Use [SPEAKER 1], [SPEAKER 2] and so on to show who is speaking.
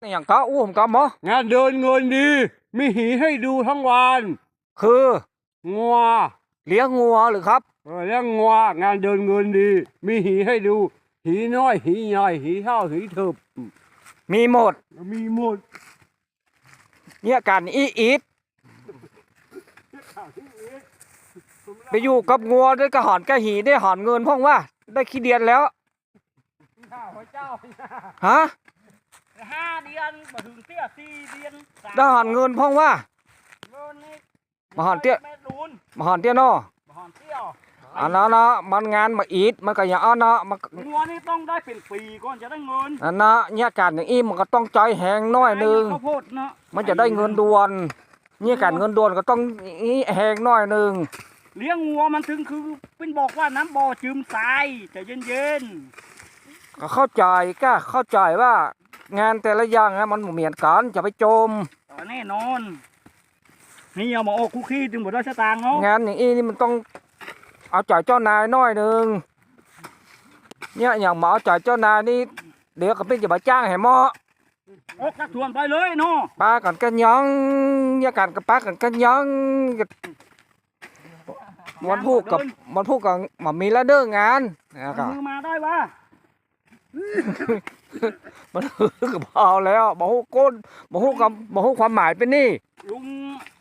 [SPEAKER 1] อย่างก็อู้ผมก็หมอง
[SPEAKER 2] านเดินเงินดีมีหีให้ดูทั้งวัน
[SPEAKER 1] คือ
[SPEAKER 2] งัว
[SPEAKER 1] เลี้ยงงัวหรือครับ
[SPEAKER 2] เลี้ยงงัวงานเดินเงินดี มีหีให้ดู หีน้อยหีใหญ่หีเท่าหีเถิบ
[SPEAKER 1] มีหมด
[SPEAKER 2] มีหมด
[SPEAKER 1] เนี่ยการอีทไปอยู่กับงัวได้กระหอนกระหีได้หอนเงินพ่องว่า ได้ขี้เดียนแล้ว
[SPEAKER 2] เจ้า
[SPEAKER 1] ฮะ
[SPEAKER 2] 5 เดือนมาถึงเตี้ย4 เดือน
[SPEAKER 1] ได้หอนเงินพ่องว่า
[SPEAKER 2] เงินนี่
[SPEAKER 1] มาหอนเตี้ย
[SPEAKER 2] แม่ดูน
[SPEAKER 1] มาหอนเตี้ยเนาะ
[SPEAKER 2] มาหอนเตี้ยว
[SPEAKER 1] อันนั้นเนาะมันงานมาอีทมันก็อย่างอันเนาะมัน
[SPEAKER 2] งัวนี่ต้องได้เป็นปีก่อนจะได้เงิน
[SPEAKER 1] อันนะเนี่ยการอย่างอีมันก็ต้องใจแหงน้อยหนึง
[SPEAKER 2] ข้าวโพดเนาะ
[SPEAKER 1] มันจะได้เงินด่วนเนี่ยการเงินด่วนก็ต้องอีแหงน้อยหนึง
[SPEAKER 2] เลี้ยงงัวมันถึงคือเป็นบอกว่าน้ำบ่อจืมทรายแต่เย็น
[SPEAKER 1] ก็เข้าใจก็เข้าใจว่างานแต่ละอย่างนะมันบ่เหมือนกันจะไปจม
[SPEAKER 2] ๆต่อแน่นอนนี่เอามาออกคุกขี้ถึงบ่ได้สตางค์เนาะ
[SPEAKER 1] งานอย่างนี้นี่มันต้องเอาใจเจ้านายน้อยหนึงเนี่ยอย่างหมาเอาใจเจ้านายนี่เดี๋ยวก็เป็นจะมาจ้างให้หมอ
[SPEAKER 2] ออกจากสวนไปเลยเนาะ
[SPEAKER 1] ปลากันกันยังเนี่ยกันกับปลากันกันยังมันพูดกับหมอมีแล้วเด้องานนะครั
[SPEAKER 2] เอา
[SPEAKER 1] บ
[SPEAKER 2] มือมาได้วะ
[SPEAKER 1] มันก็พอแล้วบ่ฮู้ก้นบ่ฮู้กับบ่ฮู้ความหมายเป็นนี่
[SPEAKER 2] ลุง